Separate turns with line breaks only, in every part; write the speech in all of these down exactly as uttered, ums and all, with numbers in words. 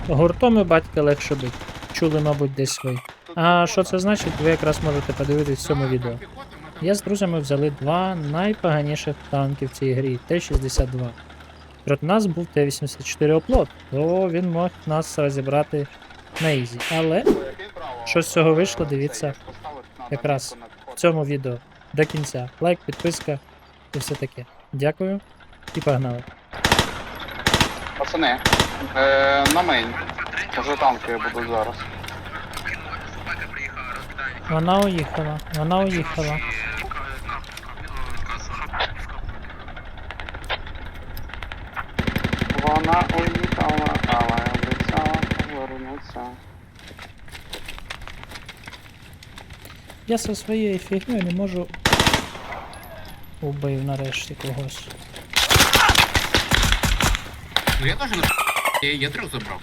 Гуртом і батька легше бить. Чули, мабуть, десь ви. А що це значить, ви якраз можете подивитись в цьому відео. Я з друзями взяли два найпоганіших танки в цій грі Т шістдесят два. Проти нас був Т вісімдесят чотири оплот, то він мог нас розібрати на ізі. Але що з цього вийшло, дивіться якраз в цьому відео до кінця. Лайк, підписка і все таке. Дякую і погнали.
Пацани, е, на мейн. Уже танки будуть зараз.
Вона уїхала, вона уїхала.
Вона уїхала, але обіцяла повернутися.
Я зі своєю фігнею не можу. Убив нарешті когось.
Ну я теж на я, я трьох забрав.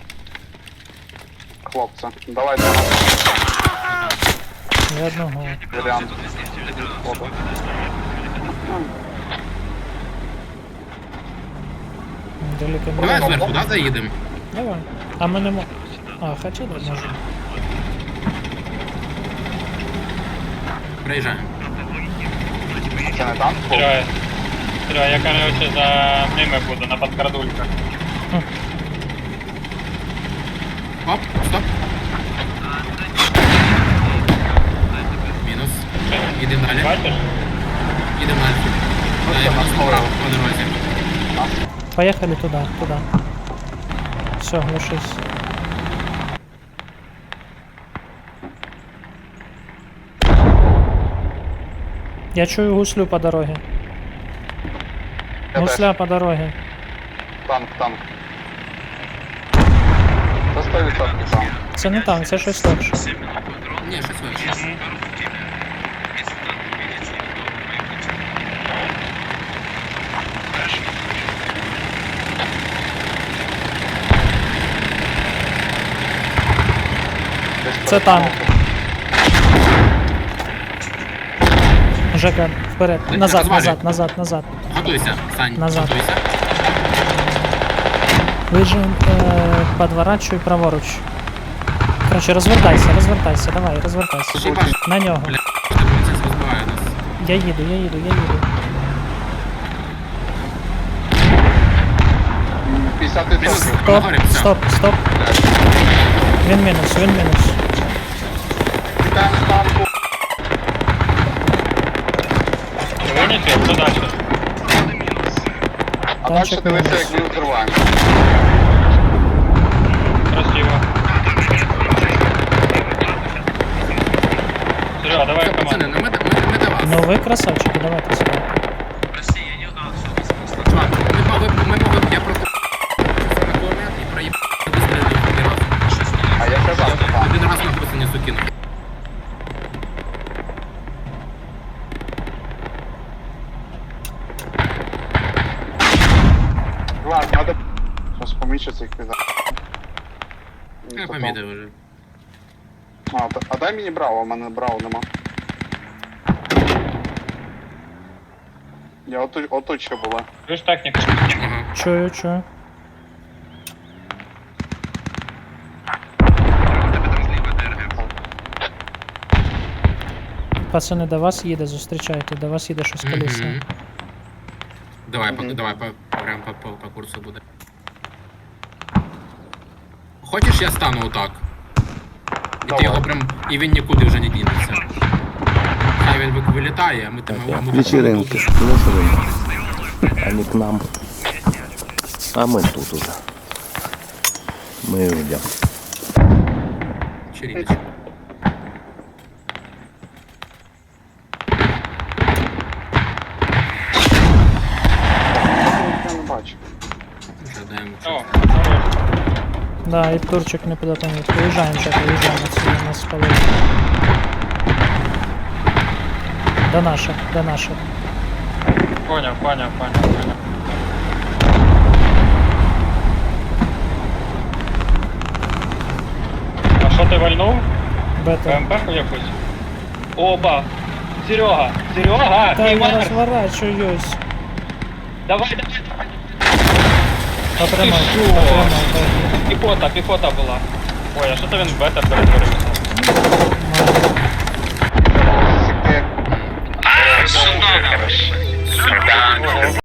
Хлопці, давайте на
Ні одного.
варіант. Фото.
Далеко не
Давай
можу.
зверху, да, заїдемо?
Давай. А ми не мо... А, хоча да, можу.
Приїжджаємо.
Це не танк?
Серега, Серега, я, короче, за ними буду, на подкрадульках.
Оп, стоп. Мінус. Їдемо далі.
Бачиш?
Їдемо далі. Да, я просто направо по дорозі.
Поехали туда, туда. Все, глушись. Я чую гуслю по дороге.
Я
Гусля по дороге.
Танк, танк. Це сто відсотків танк.
Це не танк, це щось легше.
Ні, щось вище.
Десь
Це танк. Жека, вперед.
Ти
Назад,
розвалюй.
назад, назад, назад.
Готуйся, Сань,
Назад.
готуйся.
Вижим, э, подворачивай праворуч. Короче, розвертайся, розвертайся, давай, розвертайся.
Ще й баш,
На нього.
бля, поліцейський розбиває нас.
Я їду, я їду, я їду.
п'ятдесят
Мінус,
відсотків.
Стоп,
нагорі, все.
стоп, стоп. Він мінус, він мінус.
Тікаємо з танку.
Вынесли, что дальше?
А далі
Танчик
дивися,
мінус.
як ми взриваємо.
Красиво. Серега, давай
Все, пацани,
команду.
ну ми, ми, ми до вас.
Ну ви красавчики, давайте сюди.
Чувак, ми могли, б- ми могли, б- я просто на кулемет і проїбав вистрілив один раз.
А я казав, що танк.
Один раз на просто не сукинув.
Ладно, надо... Сейчас помічиться їх піда.
Я помітив вже.
А, та- а дай мені браво, у мене браво нема. Я отут, отут ще була.
Видишь технику?
Ага.
Чую, чую. Пацани, до вас їде, зустрічайте, до вас їде щось колісне.
Мгм. Давай, по,
Мгм.
давай, по, прям по, по, по курсу буде. Хочеш, я стану отак? І
Давай.
ти його прям. І він нікуди вже не дінеться. Хай він ви- вилітає, а ми там його ми
Вечеринки. Вечеринки. Они к нам. А мы тут уже. Мы идем.
Черіночку.
Я не бачу.
Вже даємо
О,
час.
хорош.
Да, і турчик не куди там не Виїжджаємо, чек, виїжджаємо отсюда, нас спалили. До наших, до наших.
Понял, понял, понял, понял. А що ти вальнув?
Бета.
БМП-ку якусь? Оба! Серега! Серега!
Та я
Іван!
розворачуюсь.
Давай, давай, давай!
Потримай,
Ти що?
потримай.
І по Піхота, піхота була. Ой, а що то він в бета перетворився?
Сіки.
А, сюда, короче. Сюда.